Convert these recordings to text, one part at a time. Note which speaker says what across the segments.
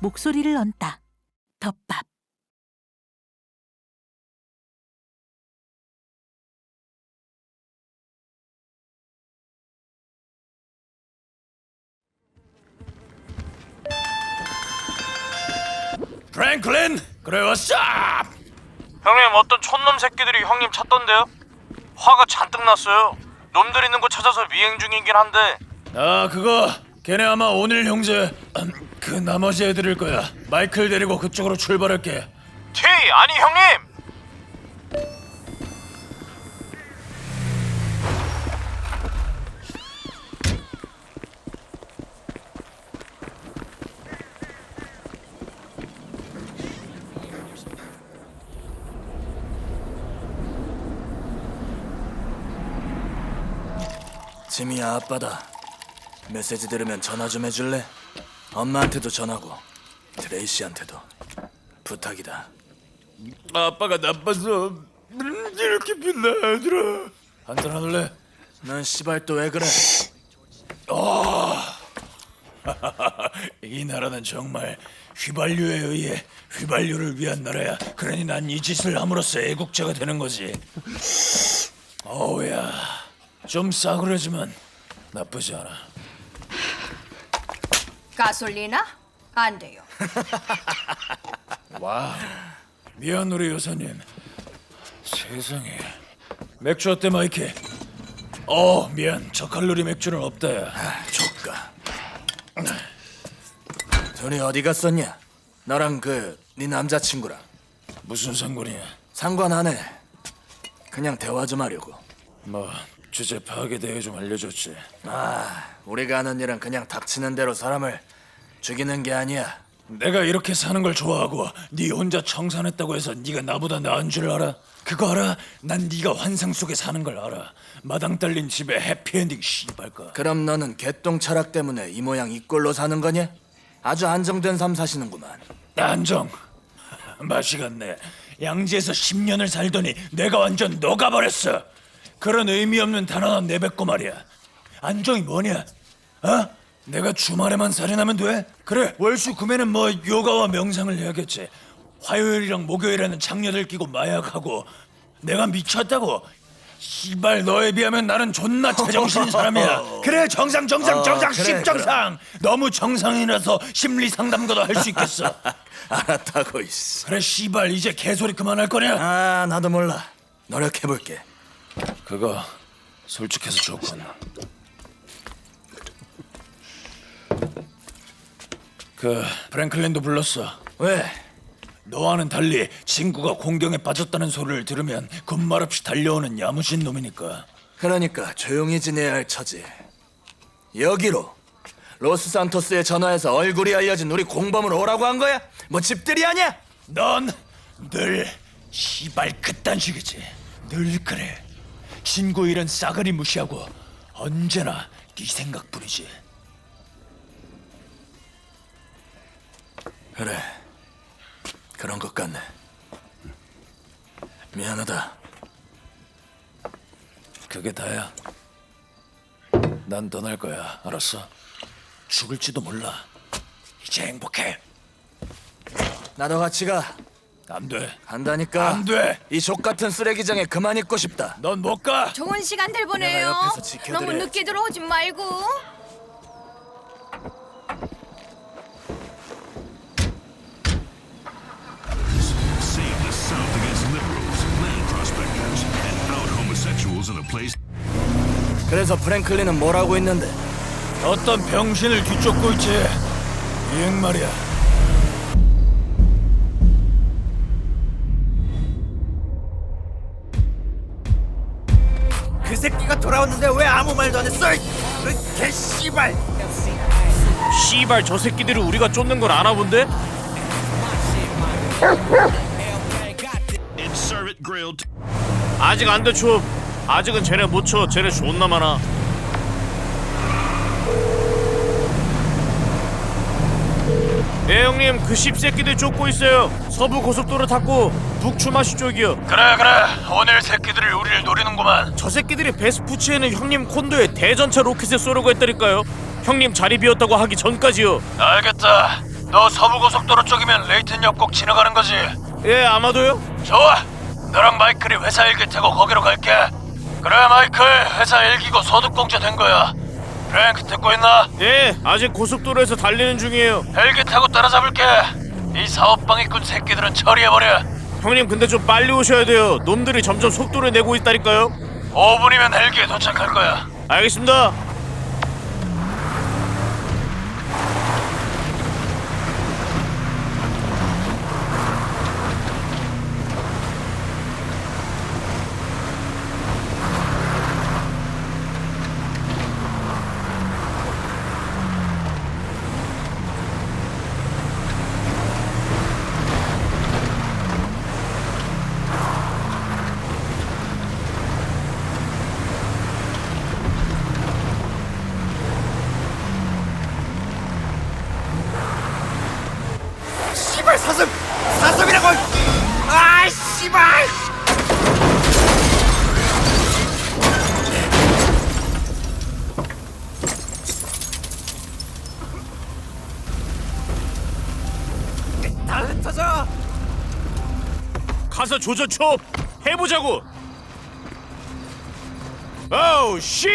Speaker 1: 목소리를 얹다. 덮밥.
Speaker 2: 프랭클린! 그래 왔어!
Speaker 3: 형님, 어떤 촌놈 새끼들이 형님 찾던데요? 화가 잔뜩 났어요. 놈들 있는 곳 찾아서 미행 중이긴 한데.
Speaker 2: 아 그거 걔네 아마 오늘 형제 그 나머지 애들일 거야. 마이클 데리고 그쪽으로 출발할게.
Speaker 3: 티! 아니 형님!
Speaker 4: 지미야, 아빠다. 메시지 들으면 전화 좀 해줄래? 엄마한테도 전하고 트레이시한테도 부탁이다.
Speaker 2: 아빠가 나빠서 이렇게 빛나 얘들아. 한잔 하늘래?
Speaker 4: 넌 씨발 또 왜 그래?
Speaker 2: 이 나라는 정말 휘발유에 의해 휘발유를 위한 나라야. 그러니 난 이 짓을 함으로써 애국자가 되는 거지. 어우야, 좀 싸구려지만 나쁘지 않아.
Speaker 5: 가솔리나? 안 돼요.
Speaker 2: 와, 미안 우리 여사님. 세상에. 맥주 어때 마이키? 미안, 저칼로리 맥주는 없다야.
Speaker 4: 조까. 둘이 어디 갔었냐? 너랑 네 남자친구랑.
Speaker 2: 무슨 상관이야?
Speaker 4: 상관 안 해. 그냥 대화 좀 하려고.
Speaker 2: 뭐 주제 파악에 대해 좀 알려줬지.
Speaker 4: 우리가 하는 일은 그냥 닥치는 대로 사람을 죽이는 게 아니야.
Speaker 2: 내가 이렇게 사는 걸 좋아하고 네 혼자 청산했다고 해서 네가 나보다 나은 줄 알아? 그거 알아? 난 네가 환상 속에 사는 걸 알아. 마당 딸린 집에 해피엔딩 씨발까.
Speaker 4: 그럼 너는 개똥 철학 때문에 이 모양 이 꼴로 사는 거냐? 아주 안정된 삶 사시는구만.
Speaker 2: 안정. 맛이 갔네. 양지에서 10년을 살더니 내가 완전 녹아버렸어. 그런 의미 없는 단어나 내뱉고 말이야. 안정이 뭐냐? 내가 주말에만 살인하면 돼? 그래, 월수 금에는 뭐 요가와 명상을 해야겠지. 화요일이랑 목요일에는 장녀들 끼고 마약하고. 내가 미쳤다고? 씨발, 너에 비하면 나는 존나 제정신인 사람이야. 그래, 정상
Speaker 4: 그래,
Speaker 2: 십정상. 너무 정상이라서 심리 상담가도 할 수 있겠어.
Speaker 4: 알았다고 이씨.
Speaker 2: 그래, 씨발, 이제 개소리 그만할 거냐?
Speaker 4: 나도 몰라. 노력해볼게.
Speaker 2: 그거 솔직해서 좋군. 프랭클린도 불렀어.
Speaker 4: 왜?
Speaker 2: 너와는 달리 친구가 공경에 빠졌다는 소리를 들으면 군말 없이 달려오는 야무진 놈이니까.
Speaker 4: 그러니까 조용히 지내야 할 처지. 여기로 로스산토스에 전화해서 얼굴이 알려진 우리 공범으로 오라고 한 거야? 뭐 집들이 아니야?
Speaker 2: 넌 늘 시발 그딴 식이지. 늘 그래. 친구 일은 싸그리 무시하고 언제나 네 생각뿐이지.
Speaker 4: 그래, 그런 것 같네. 미안하다.
Speaker 2: 그게 다야. 난 떠날 거야. 알았어? 죽을지도 몰라. 이제 행복해.
Speaker 4: 나도 같이 가.
Speaker 2: 안 돼.
Speaker 4: 간다니까.
Speaker 2: 안 돼.
Speaker 4: 이 족같은 쓰레기장에 그만 있고 싶다.
Speaker 2: 넌 못 가.
Speaker 5: 좋은 시간들 보내요.
Speaker 4: 내가 옆에서 지켜드려야지.
Speaker 5: 너무 늦게 들어오지 말고.
Speaker 6: Save the South against liberals, land prospectors, and out homosexuals in a place.
Speaker 4: 그래서 프랭클린은 뭐라고 있는데?
Speaker 2: 어떤 병신을 뒤쫓고 있지. 이행 말이야.
Speaker 7: 그 새끼가 돌아왔는데 왜 아무 말도 안 했어? 개 씨발!
Speaker 3: 씨발, 저 새끼들이 우리가 쫓는 걸 아나 본데?
Speaker 6: Serve it grilled.
Speaker 3: 아직 안 돼, 춤. 아직은 쟤네 못 쳐. 쟤네 존나 많아. 예, 형님, 그 씹새끼들 쫓고 있어요. 서부 고속도로 탔고 북추마시 쪽이요.
Speaker 2: 그래. 오늘 새끼들이 우리를 노리는구만.
Speaker 3: 저 새끼들이 베스푸치에는 형님 콘도에 대전차 로켓을 쏘려고 했다니까요. 형님 자리 비었다고 하기 전까지요.
Speaker 2: 알겠다. 너 서부고속도로 쪽이면 레이튼역 꼭 지나가는 거지?
Speaker 3: 예, 아마도요.
Speaker 2: 좋아. 너랑 마이클이 회사 일기 타고 거기로 갈게. 그래 마이클, 회사 일기고 소득공제 된 거야. 프랭크 듣고 있나?
Speaker 3: 예, 아직 고속도로에서 달리는 중이에요.
Speaker 2: 헬기 타고 따라잡을게. 이 사업방해꾼 새끼들은 처리해버려.
Speaker 3: 형님, 근데 좀 빨리 오셔야 돼요. 놈들이 점점 속도를 내고 있다니까요.
Speaker 2: 5분이면 헬기에 도착할 거야.
Speaker 3: 알겠습니다.
Speaker 7: 씨발 사슴이라고. 아 씨발. 다 흩어져.
Speaker 3: 가서 조져쳐 해보자고. 오우 씨!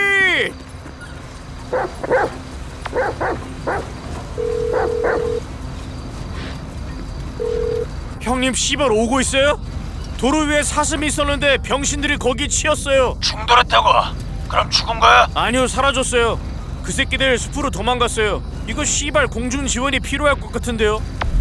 Speaker 3: 형님, 씨발 오고 있어요? 도로 위에 사슴이 있었는데 병신들이 거기 치였어요.
Speaker 2: 충돌했다고? 그럼 죽은 거야?
Speaker 3: 아니요, 사라졌어요. 그 새끼들 숲으로 도망갔어요. 이거 씨발 공중 지원이 필요할 것 같은데요.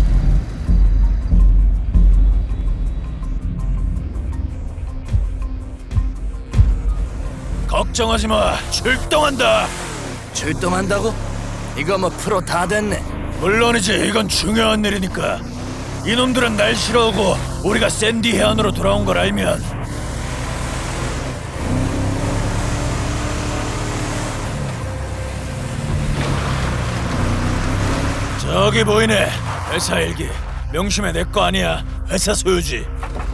Speaker 2: 걱정하지 마. 출동한다.
Speaker 4: 출동한다고? 이거 뭐 프로 다 됐네.
Speaker 2: 물론이지. 이건 중요한 일이니까. 이놈들은 날 싫어하고 우리가 샌디 해안으로 돌아온 걸 알면 저기 보이네. 회사 일기. 명심해, 내 거 아니야. 회사 소유지.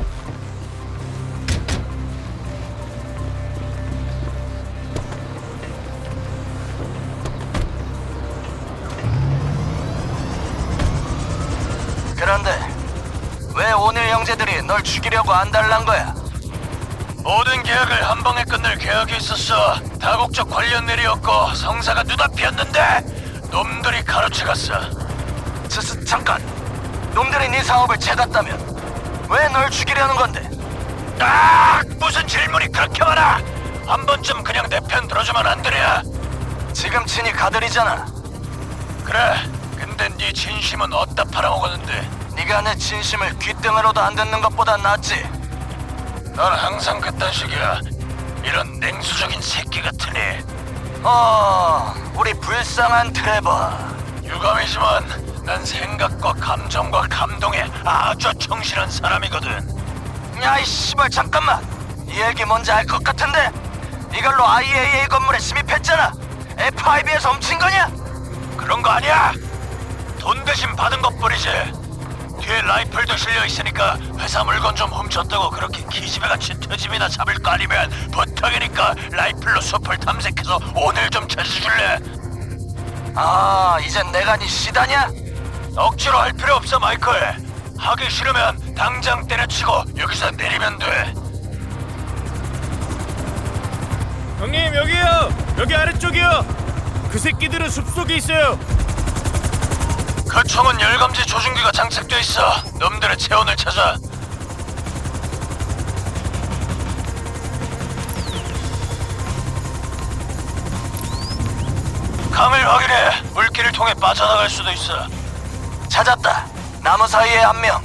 Speaker 4: 그런데 왜 오늘 형제들이 널 죽이려고 안달난 거야?
Speaker 2: 모든 계약을 한 방에 끝낼 계약이 있었어. 다국적 관련 일이었고 성사가 눈앞이었는데 놈들이 가로채갔어.
Speaker 4: 잠깐. 놈들이 네 사업을 채갔다면 왜 널 죽이려는 건데?
Speaker 2: 아, 무슨 질문이 그렇게 많아? 한 번쯤 그냥 내 편 들어주면 안 되냐?
Speaker 4: 지금 친히 가들이잖아.
Speaker 2: 그래. 근데 네 진심은 어디다 팔아먹었는데?
Speaker 4: 네가 내 진심을 귓등으로도 안 듣는 것보다 낫지.
Speaker 2: 넌 항상 그딴 식이야. 이런 냉수적인 새끼 같으니.
Speaker 4: 우리 불쌍한 트레버.
Speaker 2: 유감이지만 난 생각과 감정과 감동에 아주 충실한 사람이거든.
Speaker 4: 야, 이 씨발, 잠깐만. 이 얘기 뭔지 알 것 같은데? 이걸로 IAA 건물에 침입했잖아. F5에서 훔친 거냐?
Speaker 2: 그런 거 아니야. 돈 대신 받은 것뿐이지. 뒤에 라이플도 실려 있으니까 회사 물건 좀 훔쳤다고 그렇게 기집애같이 트집이나 잡을 거 아니면 부탁이니까 라이플로 숲을 탐색해서 오늘 좀 찾아줄래?
Speaker 4: 이젠 내가 네 시다냐?
Speaker 2: 억지로 할 필요 없어, 마이클. 하기 싫으면 당장 때려치고 여기서 내리면 돼.
Speaker 3: 형님, 여기요. 여기 아래쪽이요. 그 새끼들은 숲속에 있어요.
Speaker 2: 그 총은 열감지 조준기가 장착돼 있어. 놈들의 체온을 찾아. 강을 확인해. 물길을 통해 빠져나갈 수도 있어.
Speaker 4: 찾았다. 나무 사이에 한 명.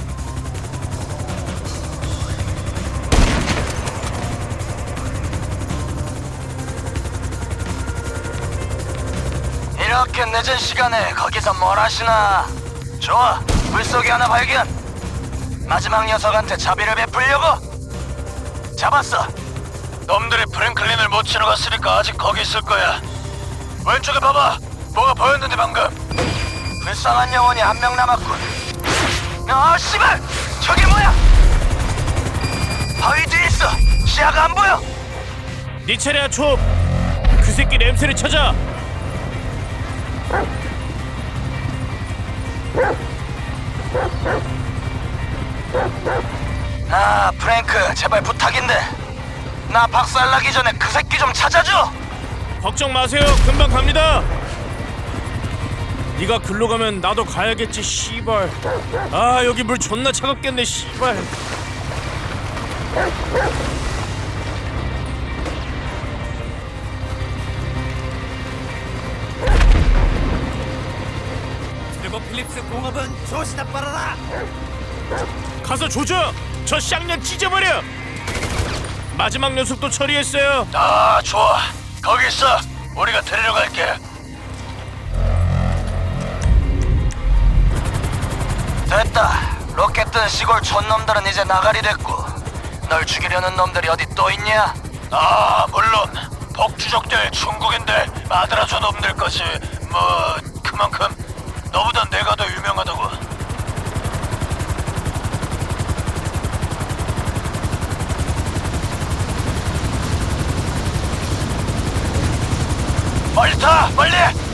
Speaker 4: 이렇게 늦은 시간에 거기서 뭘 하시나? 좋아, 물속에 하나 발견. 마지막 녀석한테 자비를 베풀려고? 잡았어.
Speaker 2: 놈들이 프랭클린을 못 지나갔으니까 아직 거기 있을 거야. 왼쪽에 봐봐. 뭐가 보였는데 방금.
Speaker 4: 불쌍한 영혼이 한 명 남았군. 씨발! 저게 뭐야? 바위 뒤에 있어. 시야가 안 보여.
Speaker 3: 네 차례야, 촉. 그 새끼 냄새를 찾아.
Speaker 4: 제발 부탁인데 나 박살나기 전에 그 새끼 좀 찾아줘.
Speaker 3: 걱정 마세요. 금방 갑니다. 네가 글로 가면 나도 가야겠지. 씨발. 아 여기 물 존나 차갑겠네. 씨발.
Speaker 7: 그리고 필립스 공업은 조시나 빨아라.
Speaker 3: 가서 조져. 저 쌍년 찢어버려. 마지막 녀석도 처리했어요.
Speaker 2: 아, 좋아. 거기 있어. 우리가 데리러 갈게.
Speaker 4: 됐다. 로켓 뜬 시골 촌놈들은 이제 나가리 됐고 널 죽이려는 놈들이 어디 또 있냐?
Speaker 2: 아, 물론 복주족들, 중국인들, 마드라조 놈들까지 뭐 그만큼 너보다 내가 더 유명하다고. 빨리 타! 빨리!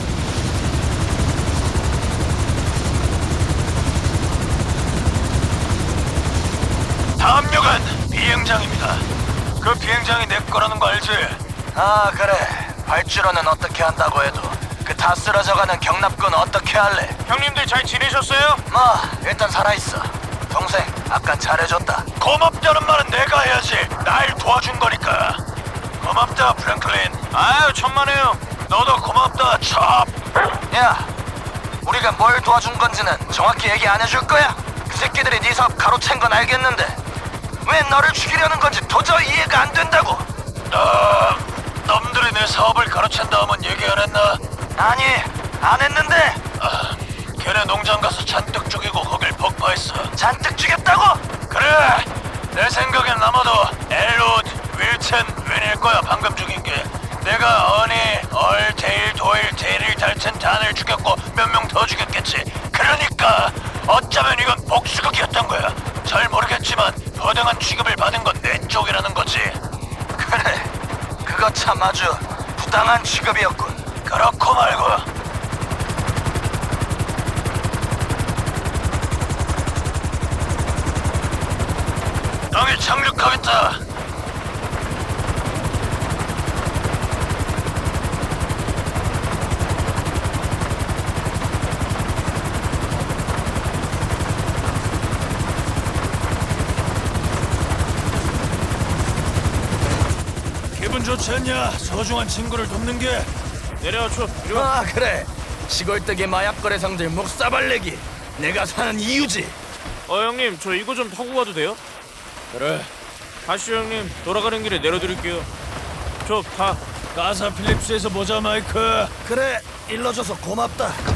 Speaker 2: 다음 역은 비행장입니다. 그 비행장이 내 거라는 거 알지?
Speaker 4: 아 그래. 발주로는 어떻게 한다고 해도 그 다 쓰러져가는 경납군 어떻게 할래?
Speaker 3: 형님들 잘 지내셨어요?
Speaker 4: 뭐 일단 살아있어. 동생 아깐 잘해줬다.
Speaker 2: 고맙다는 말은 내가 해야지. 날 도와준 거니까. 고맙다, 프랭클린.
Speaker 3: 아유 천만에요.
Speaker 2: 너도 고맙다, 첩.
Speaker 4: 야 우리가 뭘 도와준 건지는 정확히 얘기 안 해줄 거야? 그 새끼들이 네 사업 가로챈 건 알겠는데 왜 너를 죽이려는 건지 도저히 이해가 안 된다고.
Speaker 2: 놈들이 내 사업을 가로챈 다음은 얘기 안 했나?
Speaker 4: 아니 안 했는데.
Speaker 2: 걔네 농장 가서 잔뜩 죽이고 거길 폭파했어.
Speaker 4: 잔뜩 죽였다고?
Speaker 2: 그래! 내 생각엔 아마도 엘롯, 윌튼, 웬일 거야 방금 죽인 게. 내가 어니, 얼, 데일, 도일, 데릴, 달튼, 단을 죽였고 몇 명 더 죽였겠지. 그러니까 어쩌면 이건 복수극이었던 거야. 잘 모르겠지만 부당한 취급을 받은 건 내 쪽이라는 거지.
Speaker 4: 그래 그거 참 아주 부당한 취급이었군.
Speaker 2: 그렇고 말고. 땅에 착륙하겠다. 기분 좋지 않냐? 소중한 친구를 돕는 게.
Speaker 3: 내려와줘. 이리 와.
Speaker 4: 아 그래 시골뜨기 마약 거래상들 목사발내기 내가 사는 이유지.
Speaker 3: 형님 저 이거 좀 타고 가도 돼요?
Speaker 2: 그래.
Speaker 3: 가시죠 형님. 돌아가는 길에 내려드릴게요. 저 가.
Speaker 2: 가사 필립스에서 보자, 마이크.
Speaker 7: 그래 일러줘서 고맙다.